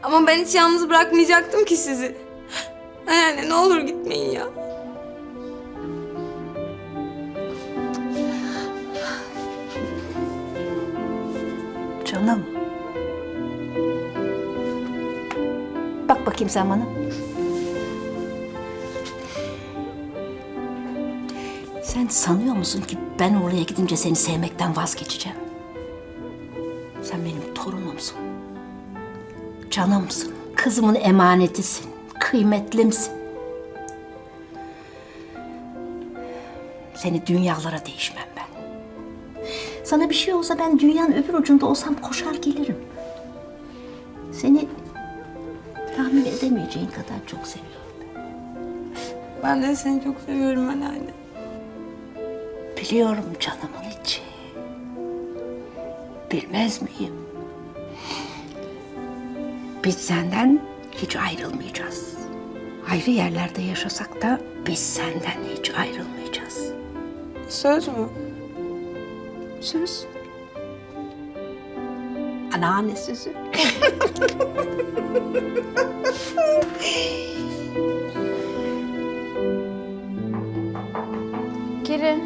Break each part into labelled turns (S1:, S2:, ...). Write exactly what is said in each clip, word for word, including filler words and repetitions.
S1: Ama ben hiç yalnız bırakmayacaktım ki sizi. Anneanne ne olur gitmeyin ya.
S2: Canım. Bak bakayım sen bana. Sen sanıyor musun ki ben oraya gidince seni sevmekten vazgeçeceğim? Sen benim torunumsun. Canımsın. Kızımın emanetisin. Kıymetlimsin. Seni dünyalara değişmem ben. Sana bir şey olsa ben dünyanın öbür ucunda olsam koşar gelirim. Seni tahmin edemeyeceğin kadar çok seviyorum.
S1: Ben de seni çok seviyorum anneanne.
S2: Biliyorum canımın içi. Bilmez miyim? Biz senden hiç ayrılmayacağız. Ayrı yerlerde yaşasak da biz senden hiç ayrılmayacağız.
S1: Söz mü?
S2: Söz. Anneanne sözü.
S3: Geri.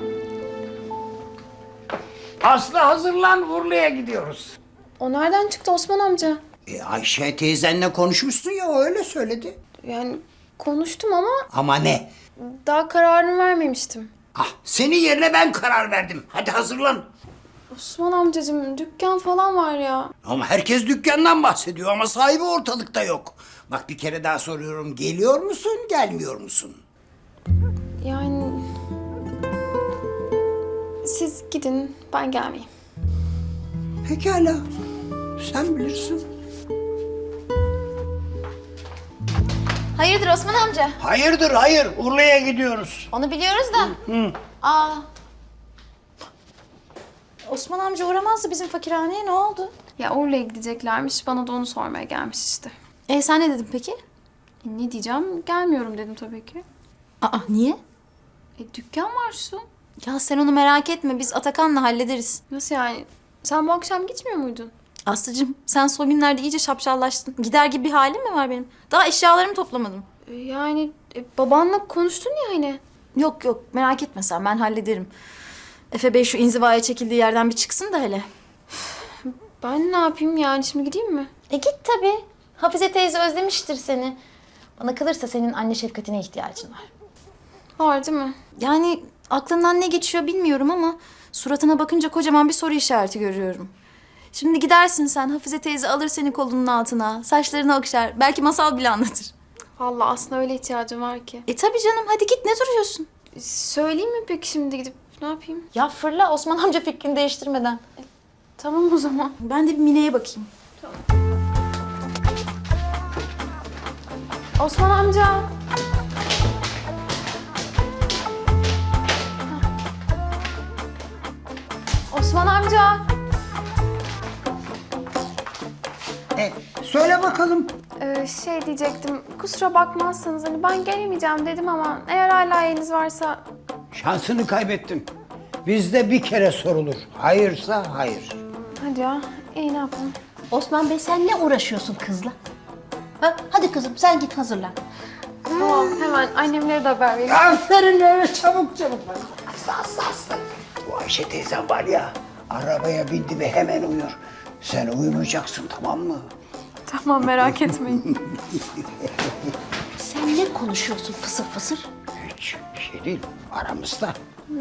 S4: Aslı hazırlan, Urla'ya gidiyoruz.
S3: O nereden çıktı Osman amca?
S4: E, Ayşe teyzenle konuşmuşsun ya, o öyle söyledi.
S3: Yani konuştum ama
S4: Ama ne?
S3: daha kararını vermemiştim.
S4: Ah, senin yerine ben karar verdim. Hadi hazırlan.
S3: Osman amcacığım dükkan falan var ya.
S4: Ama herkes dükkandan bahsediyor ama sahibi ortalıkta yok. Bak bir kere daha soruyorum, geliyor musun, gelmiyor musun?
S3: Yani siz gidin ben gelmeyeyim.
S4: Pekala, sen bilirsin.
S5: Hayırdır Osman amca?
S4: Hayırdır, hayır. Urla'ya gidiyoruz.
S5: Onu biliyoruz da. Aa. Osman amca uğramazdı bizim fakirhaneye, ne oldu?
S3: Ya Urla'ya gideceklermiş, bana da onu sormaya gelmiş işte.
S5: E sen ne dedin peki?
S3: E, ne diyeceğim? Gelmiyorum dedim tabii ki.
S5: Aa niye?
S3: E dükkan var şu.
S5: Ya sen onu merak etme, biz Atakan'la hallederiz.
S3: Nasıl yani? Sen bu akşam gitmiyor muydun?
S5: Aslıcığım sen son günlerde iyice şapşallaştın. Gider gibi bir halim mi var benim? Daha eşyalarımı toplamadım.
S3: E, yani e, babanla konuştun ya hani.
S5: Yok yok merak etme sen, ben hallederim. Efe Bey şu inzivaya çekildiği yerden bir çıksın da hele.
S3: Ben ne yapayım yani, şimdi gideyim mi?
S5: E git tabii. Hafize teyze özlemiştir seni. Bana kalırsa senin anne şefkatine ihtiyacın var.
S3: Var değil mi?
S5: Yani aklından ne geçiyor bilmiyorum ama suratına bakınca kocaman bir soru işareti görüyorum. Şimdi gidersin sen, Hafize teyze alır seni kolunun altına, saçlarını okşar, belki masal bile anlatır.
S3: Vallahi aslında öyle ihtiyacım var ki.
S5: E tabii canım, hadi git, ne duruyorsun?
S3: Söyleyeyim mi peki şimdi gidip, ne yapayım?
S5: Ya fırla Osman amca fikrini değiştirmeden.
S3: Tamam o zaman.
S5: Ben de bir Mine'ye bakayım.
S3: Osman amca. Osman amca.
S4: E, söyle bakalım.
S3: Ee, şey diyecektim, kusura bakmazsanız hani ben gelemeyeceğim dedim ama eğer hala yeriniz varsa...
S4: Şansını kaybettin. Bizde bir kere sorulur. Hayırsa hayır.
S3: Hadi ya, iyi ne yapalım?
S2: Osman Bey sen ne uğraşıyorsun kızla? Ha, hadi kızım sen git hazırlan.
S3: Tamam, hemen annemlere de haber vereyim.
S4: Aferin öyle, çabuk çabuk. Aslı aslı aslı. Bu Ayşe teyzem var ya, arabaya bindi mi hemen uyur. Sen uyumayacaksın, tamam mı?
S3: Tamam, merak etmeyin.
S2: Sen ne konuşuyorsun fısır fısır?
S4: Hiç bir şey değil, aramızda.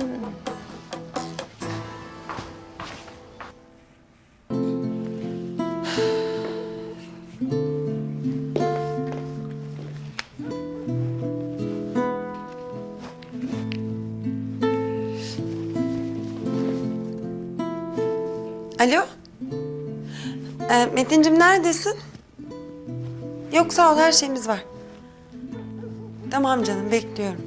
S1: Alo? Ee, Metin'cim neredesin? Yok sağ ol, her şeyimiz var. Tamam canım, bekliyorum.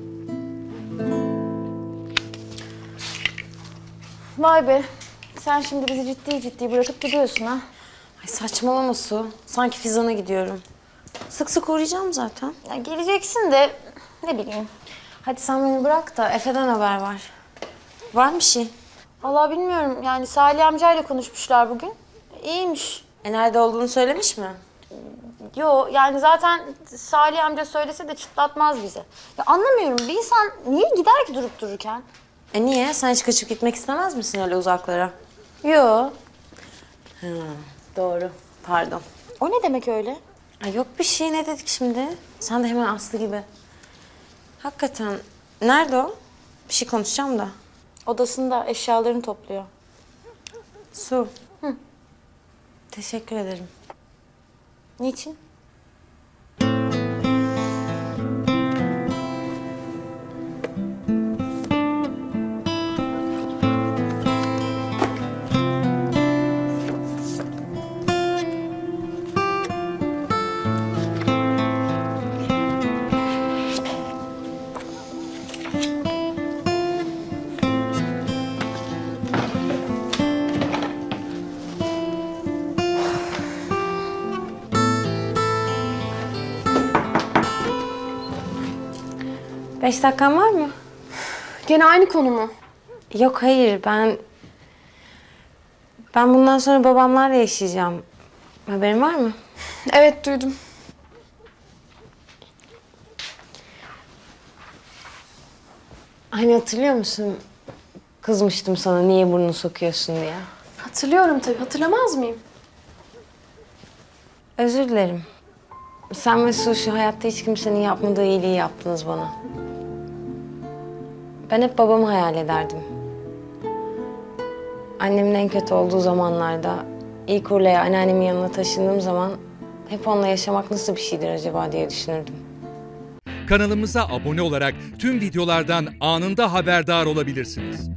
S5: Vay be, sen şimdi bizi ciddi ciddi bırakıp gidiyorsun ha.
S1: Ay saçmalama Su. Sanki Fizan'a gidiyorum. Sık sık uğrayacağım zaten.
S5: Ya geleceksin de ne bileyim.
S1: Hadi sen beni bırak da Efe'den haber var. Var mı bir şey?
S5: Vallahi bilmiyorum, yani Salih amcayla konuşmuşlar bugün. İyiymiş.
S1: E nerede olduğunu söylemiş mi? Yo yani zaten Salih amca söylese de çıtlatmaz bize. Ya anlamıyorum bir insan niye gider ki durup dururken? E niye? Sen hiç kaçıp gitmek istemez misin öyle uzaklara? Yo. Ha, doğru. Pardon.
S5: O ne demek öyle?
S1: Ay yok bir şey ne dedik şimdi? Sen de hemen Aslı gibi. Hakikaten nerede o? Bir şey konuşacağım da.
S5: Odasında eşyalarını topluyor.
S1: Su. Hı. Teşekkür ederim.
S5: Niçin?
S1: Beş dakikan var mı?
S3: Gene aynı konu mu?
S1: Yok hayır ben... Ben bundan sonra babamlarla yaşayacağım. Haberin var mı?
S3: Evet duydum.
S1: Hani hatırlıyor musun? Kızmıştım sana niye burnunu sokuyorsun diye.
S3: Hatırlıyorum tabii. Hatırlamaz mıyım?
S1: Özür dilerim. Sen ve Su şu hayatta hiç kimsenin yapmadığı iyiliği yaptınız bana. Ben hep babamı hayal ederdim. Annemin en kötü olduğu zamanlarda ilk Urla'ya anneannemin yanına taşındığım zaman hep onunla yaşamak nasıl bir şeydir acaba diye düşünürdüm.
S6: Kanalımıza abone olarak tüm videolardan anında haberdar olabilirsiniz.